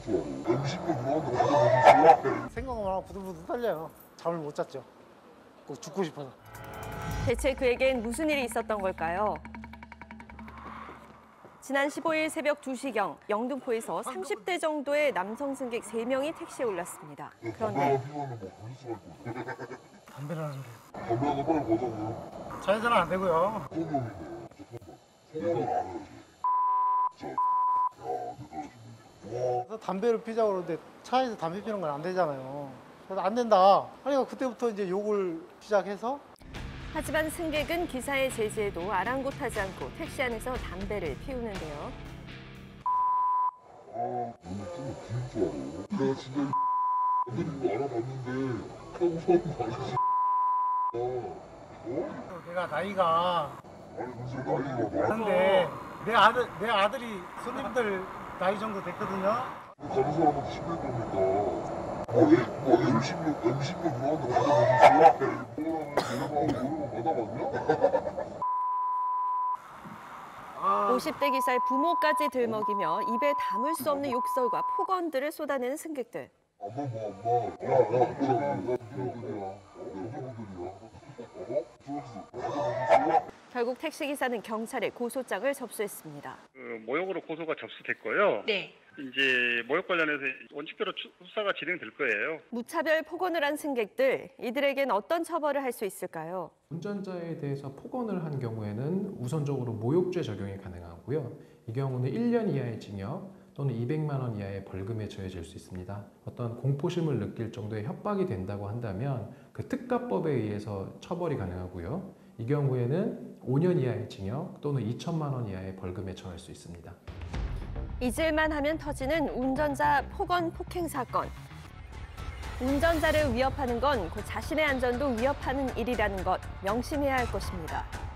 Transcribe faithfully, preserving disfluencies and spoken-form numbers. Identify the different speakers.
Speaker 1: 줄 알아. 엠씨도 들어간다고 생각하셨어요?
Speaker 2: 생각만 하고 부들부들 떨려요. 잠을 못 잤죠. 꼭 죽고 싶어서.
Speaker 3: 대체 그에겐 무슨 일이 있었던 걸까요? 지난 십오일 새벽 두 시경 영등포에서 삼십 대 정도의 남성 승객 세 명이 택시에 올랐습니다. 그런데
Speaker 1: 피우면 뭐 불수가 있거든.
Speaker 2: 담배를 하는 소리.
Speaker 1: 담배 하나 빨리 가자고요.
Speaker 2: 자연스는 안 되고요.
Speaker 1: 소금이네. 잠깐만. 소금을 알아야지. 진짜. 야, 대단하시네. 와.
Speaker 2: 그래서 담배를 피자고 그러는데 차에서 담배 피우는 건 안 되잖아요. 그래서 안 된다. 그러니까 그때부터 이제 욕을 시작해서
Speaker 3: 하지만 승객은 기사의 제지에도 아랑곳하지 않고 택시 안에서 담배를 피우는데요.
Speaker 1: 아, 너는 좀 기인 줄 알아. 내가 진짜 이 애들인 거 알아봤는데 타고 사는 거 아니지? 아, 어?
Speaker 2: 내가 나이가
Speaker 1: 아니 무슨 나이가
Speaker 2: 많은데
Speaker 1: 많아.
Speaker 2: 내 아들 내 아들이 손님들 나이 정도 됐거든요.
Speaker 1: 가는 사람한테 시킬 겁니까? 뭐, 애, 뭐 엠십육, 엠십육 들어간다고 생각하셨어요? 뭐라면 노래방, 노래방 받아봤냐?
Speaker 2: 아,
Speaker 3: 오십 대 기사의 부모까지 들먹이며 입에 담을 수 없는 욕설과 폭언들을 쏟아내는 승객들.
Speaker 1: 엄마 뭐 엄마. 야, 야, 뭐라고. 야, 누구들이야? 어? 누구들이야? 어? 들었어. 받아봤어?
Speaker 3: 결국 택시기사는 경찰에 고소장을 접수했습니다.
Speaker 4: 그 모욕으로 고소가 접수됐고요.
Speaker 3: 네.
Speaker 4: 이제 모욕 관련해서 원칙대로 추- 수사가 진행될 거예요.
Speaker 3: 무차별 폭언을 한 승객들, 이들에겐 어떤 처벌을 할 수 있을까요?
Speaker 5: 운전자에 대해서 폭언을 한 경우에는 우선적으로 모욕죄 적용이 가능하고요. 이 경우는 일 년 이하의 징역 또는 이백만 원 이하의 벌금에 처해질 수 있습니다. 어떤 공포심을 느낄 정도의 협박이 된다고 한다면 그 특가법에 의해서 처벌이 가능하고요. 이 경우에는 오 년 이하의 징역 또는 이천만 원 이하의 벌금에 처할 수 있습니다.
Speaker 3: 잊을만 하면 터지는 운전자 폭언 폭행 사건. 운전자를 위협하는 건 그 자신의 안전도 위협하는 일이라는 것 명심해야 할 것입니다.